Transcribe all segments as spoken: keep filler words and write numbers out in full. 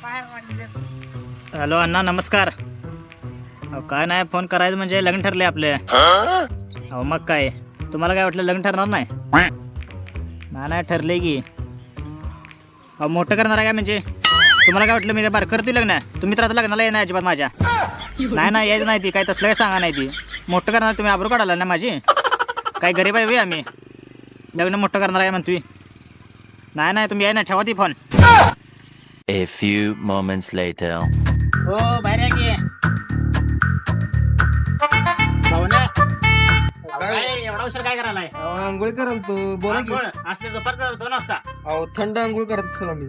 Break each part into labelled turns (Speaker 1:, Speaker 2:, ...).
Speaker 1: Hello अण्णा नमस्कार. अहो काय नाही फोन करायचं म्हणजे लग्न ठरले आपले. अहो मग काय तुम्हाला काय वाटलं लग्न ठरणार नाही? नाही नाही ठरले की. अहो मोठं करणार आहे काय म्हणजे तुम्हाला काय वाटलं मी काय बार करतोय लग्न? तुम्ही तर आता लग्नाला येणार अजिबात माझ्या. नाही नाही यायचं नाही ती काय तसलं काय सांगा नाही ती. मोठं करणार तुम्ही आबरू काढाला ना माझी. काय गरीब आहे वे आम्ही लग्न मोठं करणार आहे म्हणतोय. नाही नाही तुम्ही याय ना ठेवा ती phone.
Speaker 2: A few moments later.
Speaker 1: हो बाहेर या की. भावना काय एवढा उशीर काय करायलाय?
Speaker 3: आंघोळ कराल तू बोला की.
Speaker 1: असते दुपारचं दोन वाजता.
Speaker 3: अहो थंड आंघोळ करत असेल आम्ही.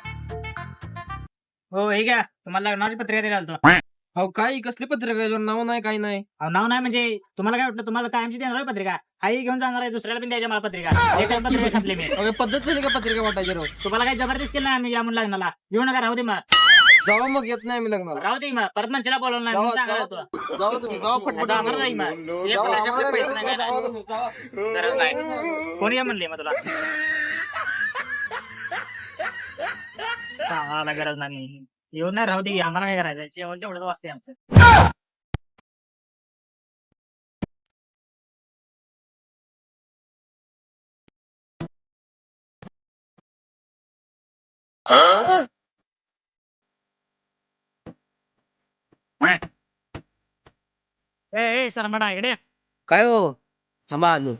Speaker 1: हो हे घ्या तुम्हाला लग्नाची पत्रिका दिली आलतो.
Speaker 3: अहो काय कसली पत्रिका याच्यावर नाव नाही काय नाही.
Speaker 1: अहो, नाव नाही म्हणजे तुम्हाला काय वाटलं तुम्हाला कायमची देणार आहे पत्रिका? आई घेऊन जाणार आहे दुसऱ्याला पण द्यायची मला पत्रिका. एकच पत्रिका छापली मी.
Speaker 3: अगं पद्धत झाली का पत्रिका वाटायची रोज?
Speaker 1: तुम्हाला काय जबरदस्त केलं नाही आम्ही या म्हणून लग्नाला. येऊ नका राहू दे मग.
Speaker 3: जावा मग येत नाही आम्ही लग्नाला.
Speaker 1: राहू दे मग परत मंचला बोलवलं नाही म्हणून सांगायला होतं.
Speaker 3: जावा तुम्ही जावा पटपट.
Speaker 1: जाणार नाही मग. हे पत्रिका छापले पैसे नाही काय नाही. गरज नाही. कोणी या म्हणले मग तुला? आम्हाला गरज नाही. येऊन नाही राहू दे आम्हाला काय करायचं जेवण तेवढंच वाजते आमचं. ए ए सरमडा इकडे.
Speaker 4: काय हो थांबा आलो.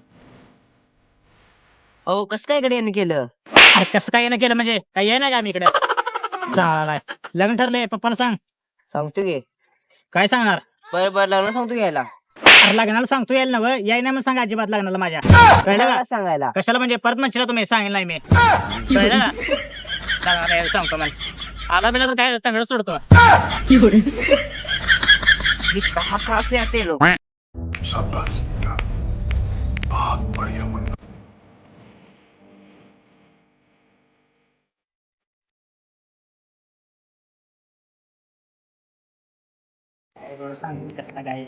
Speaker 4: अहो कसं काय इकडे यांनी केलं?
Speaker 1: अरे कसं काय येणं केलं म्हणजे काय ये नाही का आम्ही इकडे? चालाय लग्न ठरलंय पप्पाला सांग.
Speaker 4: सांगतो की.
Speaker 1: काय सांगणार?
Speaker 4: बरं बरं लग्न सांगतो घ्यायला.
Speaker 1: अरे लग्नाला सांगतो यायला नव याय नाही म्हणून सांग अजिबात लग्नाला माझ्या. कळलं का?
Speaker 4: सांगायला
Speaker 1: कशाला म्हणजे परत म्हणशील तुम्ही सांगेल नाही मी. कळलं का? लग्नाला यायला सांगतो मला. आला बिला तर काय तंगड सोडतो.
Speaker 4: कहाँ से आते लोग?
Speaker 5: शाबाश बेटा बहुत बढ़िया मुन्ना.
Speaker 1: सांग कसला काय.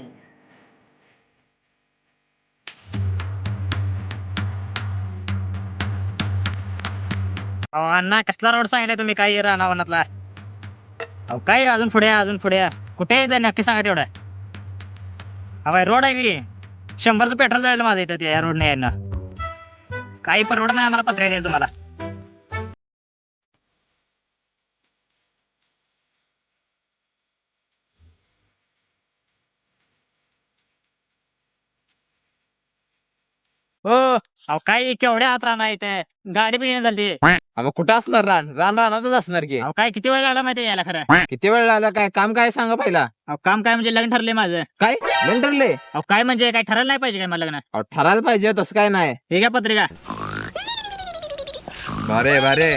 Speaker 1: अहो अण्णा कसला रोड सांगितलं तुम्ही काय रानावनातला? अहो काय अजून पुढे या, अजून पुढे या. कुठे आहे नक्की सांगा तेवढं. अहो रोड आहे की शंभरचं पेट्रोल जायला माझं इथं या रोडने यायला. काही परवडत नाही आम्हाला पत्रिका द्यायला तुम्हाला. हो अहो काय केवढ्या हात राहणार इथे गाडी पण येणं झाली.
Speaker 3: अगं कुठं असणार रान रान रानातच असणार की.
Speaker 1: अहो काय किती वेळ लागला माहिती यायला खरं.
Speaker 3: किती वेळ लागला काय काम काय सांगा पहिला.
Speaker 1: अहो काम काय म्हणजे लग्न ठरले माझं.
Speaker 3: काय लग्न ठरले?
Speaker 1: अहो काय म्हणजे काय ठरायला नाही पाहिजे काय मला लग्न?
Speaker 3: अहो ठरायला पाहिजे तसं काय नाही.
Speaker 1: हे घ्या पत्रिका.
Speaker 3: बरे बरे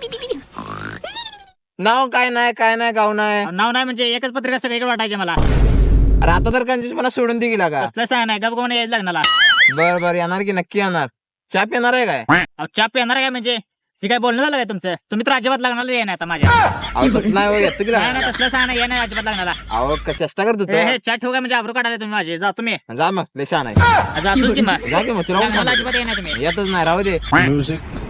Speaker 3: नाव काय नाही काय नाही गाव नाही.
Speaker 1: अहो, नाव नाही म्हणजे एकच पत्रिका सगळीकडे वाटायची मला.
Speaker 3: अरे आता तर कंजूसपणा सोडून दे गेला का.
Speaker 1: कसलं सांग नाही गप कोण यायचं लग्नाला.
Speaker 3: बर बर येणार की नक्की येणार. चहा पिणार आहे काय?
Speaker 1: अहो चाप येणार काय म्हणजे हे काय बोलणं झालं काय तुमचं? तुम्ही तर अजिबात लग्नाला येणार आता माझ्या.
Speaker 3: अहो तसं नाही हो येतो की
Speaker 1: नाही
Speaker 3: नाही.
Speaker 1: नाही तसलं सांग नाही येणार अजिबात लग्नाला.
Speaker 3: अहो क- चेष्टा करत
Speaker 1: हे
Speaker 3: होतो.
Speaker 1: हे चाट ठेवू काय म्हणजे आबरू काढायला तुम्ही माझे. जा तुम्ही
Speaker 3: जा मग लेशा नाही
Speaker 1: जातोच की मग.
Speaker 3: जा की मग तुला
Speaker 1: लग्नाला अजिबात येणार तुम्ही.
Speaker 3: येतच नाही राहू दे.
Speaker 5: म्युझिक